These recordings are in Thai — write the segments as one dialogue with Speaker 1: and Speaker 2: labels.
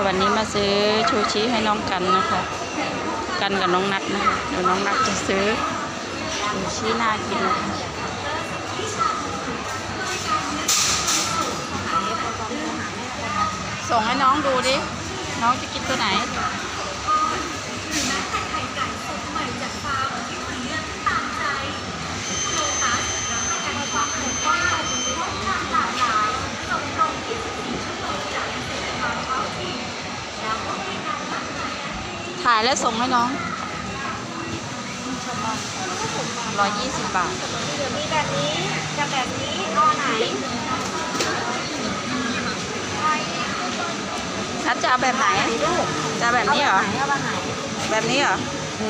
Speaker 1: วันนี้มาซื้อชูชีให้น้องกันนะคะกันกับน้องนัดนะคะเดี๋ยวน้องนัดจะซื้อชูชีน่ากินนะคะส่งให้น้องดูดิน้องจะกินตัวไหนถ่ายแล้วส่งให้น้อง120 บาท
Speaker 2: เดี๋ยวมีแบบนี้จะแบบนี้เอาไหน
Speaker 1: นัดจะเอาแบบไหนจะแบบนี้เหรอแบบนี้เหรอ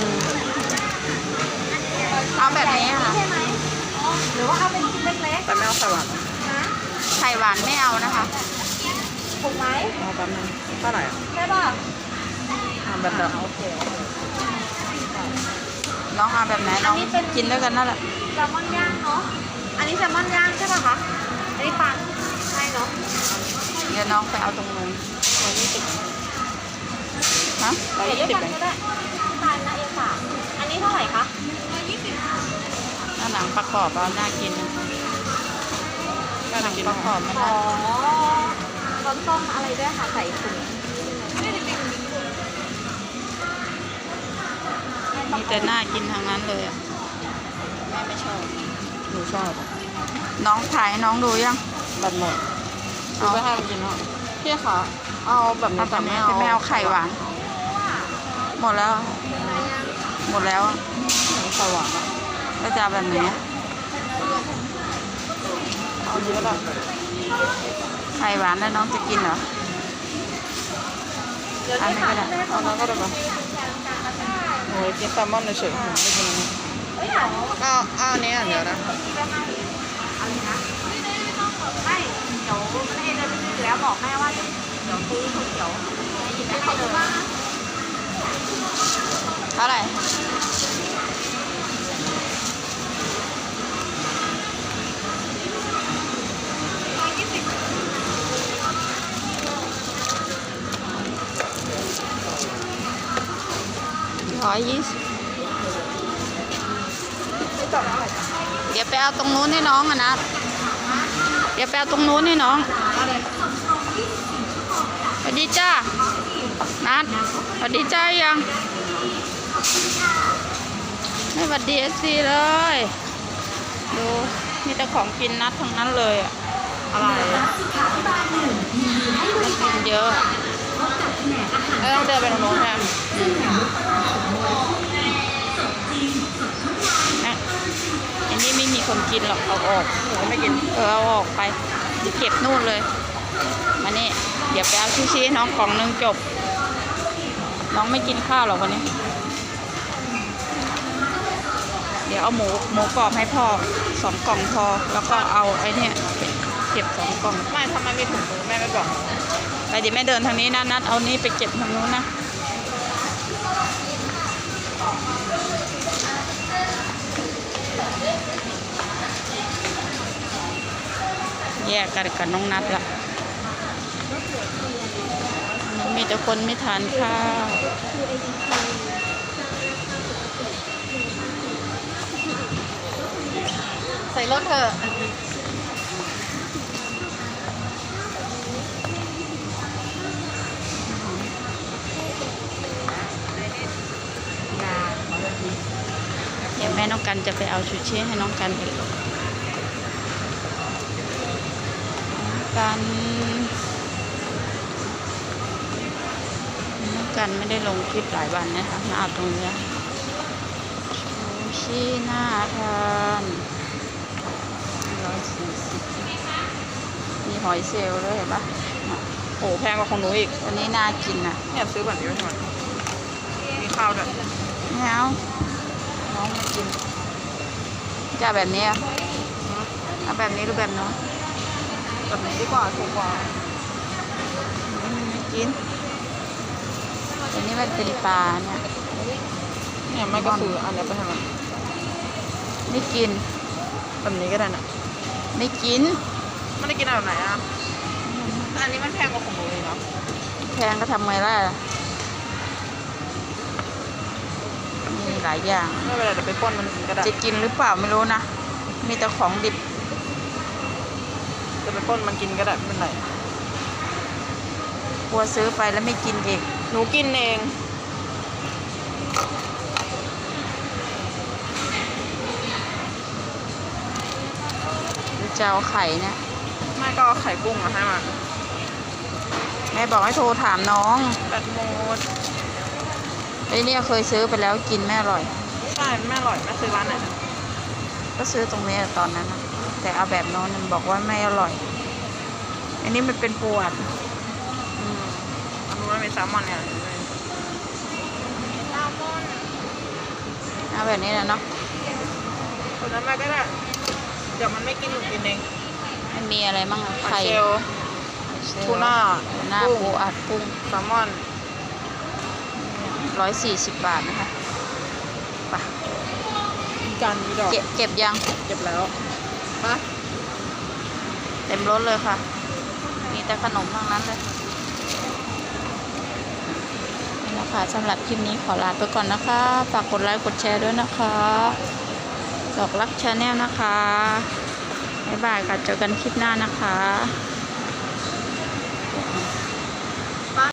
Speaker 1: เอาแบบนี้ค่ะ
Speaker 2: ใช่ไหมหรือว่าเอาเป็นชิ้นเล็กๆ
Speaker 1: แต่ไม่เอาไข่หวาน
Speaker 2: นะ
Speaker 1: ไข่หวานไม่เอานะคะ
Speaker 2: ถูกไหม
Speaker 1: เอาแบบนั้นเท่าไหร่
Speaker 2: ใช่ป่ะ
Speaker 1: แบบโอเคน้องเอาแบบไหนน้องกินด้วยกันนั่นแหละ
Speaker 2: แซลมอนย่างเนาะอันนี้แซลมอนย่างใช่ป่ะคะอันนี้ปลาใช่เนาะ
Speaker 1: เดี๋ยวน้องไปเอาตรงนู้นฮะ
Speaker 2: 120ก็ได้ทานนะเอค่ะอันนี้เท่าไหร่คะ
Speaker 1: หน้าหนังประกอบเอาน่ากินหนังประกอบมัน
Speaker 2: ร้อนต้มอะไรด้วยค่ะใส่ถุง
Speaker 1: มีแต่น่ากินทางนั้นเลยอ่ะแม่ไม่ชอบหนูชอบน้องถ่ายน้องดูยังแบบหมดเอาไปให้มันกินเนาะพี่ค่ะเอาแบบนี้แต่ไม่เอาไข่หวานหมดแล้วไข่หวานก็จะแบบนี้เอาเยอะแล้วไข่หวานแล้วน้องจะกินเหรออันนี้ก็ได้เอาแล้วก็ได้ปะโอ้ยกินแซลมอนเฉยๆไม่กินเอาอันนี้อย่างเดียวนะ
Speaker 2: ไม่เดี๋ยวแม่จะไปซื้อแล้วบอกแม่ว่าเดี๋ยวซื้อก๋วยเตี๋ยวหยิบให้เลย
Speaker 1: เท่าไหร่120เดี๋ยวไปเอาตรงนู้นให้น้องอะนะเดี๋ยวไปเอาตรงนู้นให้น้องสวัสดีจ้านัดสวัสดีจ้ายังไม่สวัสดีสิเลยดูมีแต่ของกินนัดทั้งนั้นเลยอะอะไรมันกินเยอะแล้วต้องเดินไปตรงโน้นแทนอันนี้ไม่มีคนกินหรอกเอาออกไม่กินเอาออกไปเก็บนู่นเลยมานี่เดี๋ยวไปเอาชูชีน้องกล่องนึงจบน้องไม่กินข้าวหรอกวันนี้เดี๋ยวเอาหมูกรอบให้พ่อ2 กล่องพอแล้วก็เอาไอ้นี่เก็บ2 กล่องไม่ทำไมไม่ถุงมือแม่ไม่บอกไปเดี๋ยวแม่เดินทางนี้นะนัดเอานี้ไปเก็บทางนู้นนะแยกกันกับน้องนัดละมีแต่คนไม่ทานข้าวใส่รถเถอะเดี๋ยวแม่น้องกันจะไปเอาชูชีให้น้องกันอีกกันไม่ได้ลงคลิปหลายวันนะคะมาเอาตรงนี้ชูชีน่าทาน140มีหอยเชลล์ด้วยเห็นปะโอ้แพงกว่าของหนูอีกวันนี้น่ากินนะเนี่ยซื้อแบบนี้ไว้ทำไมมีข้าวด้วยไม่เอาน้องไม่กินจะแบบนี้เอาแบบนี้หรือแบบนู้นแบบนี้ดีกว่าถูกกว่าไม่กินอันนี้มันเป็นปลาเนี่ยไม่ก็คืออันนี้ไปทำไมไม่กินแบบนี้ก็ได้นะไม่กินไม่ได้กินแบบไหนอ่ะอันนี้มันแพงกว่าของหนูเลยเนาะแพงก็ทำไงล่ะมีหลายอย่าง
Speaker 2: ไม่เป็นไรเดี๋ยวไปป้นมันกินก็ได้
Speaker 1: จะกินหรือเปล่าไม่รู้นะ มีแต่ของดิบ
Speaker 2: จะไปป้นมันกินก็ได้ไม่เป็นไร
Speaker 1: กลัวซื้อไปแล้วไม่กินอีก
Speaker 2: หนูกินเอง
Speaker 1: หรือจะเอาไข่เนี่ย
Speaker 2: แม่ก็เอาไข่กุ้งมาให้มา
Speaker 1: แม่บอกให้โทรถามน้อง
Speaker 2: แบตหมด
Speaker 1: ไอ้เนี่ยเคยซื้อไปแล้วกินไม่อร่อย
Speaker 2: ใช่แม่อร่อยแม่ซื้อร้านไหน
Speaker 1: ก็ซื้อตรงนี้ตอนนั้นนะแต่เอาแบบโน้นมันบอกว่าไม่อร่อย อันนี้มันเป็นปวด
Speaker 2: อันนู้นมันมีแซลมอนเนี่ยแซลมอน
Speaker 1: เอาแบบนี้นะเนาะ
Speaker 2: คนนั้นแม่ก็ได้เดี๋ยวมันไม่กินหนูกินเอง
Speaker 1: มันมีอะไรบ้างอะ
Speaker 2: หอย
Speaker 1: ไข่
Speaker 2: เชลล์ทูน่า
Speaker 1: ทูน่า
Speaker 2: กุ้ง
Speaker 1: ปูอัดกุ้ง
Speaker 2: แซลมอน
Speaker 1: 140 บาทนะคะไป
Speaker 2: มีการมีดอก
Speaker 1: เก็บยัง
Speaker 2: เก็บแล้วปะ
Speaker 1: เต็มรถเลยค่ะ มีแต่ขนมทั้งนั้นเลยนี่นะคะสำหรับคลิปนี้ขอลาไปก่อนนะคะ ฝากกดไลค์กดแชร์ด้วยนะคะดอกรักชาแนลนะคะบ๊ายบายค่ะเจอกันคลิปหน้านะคะ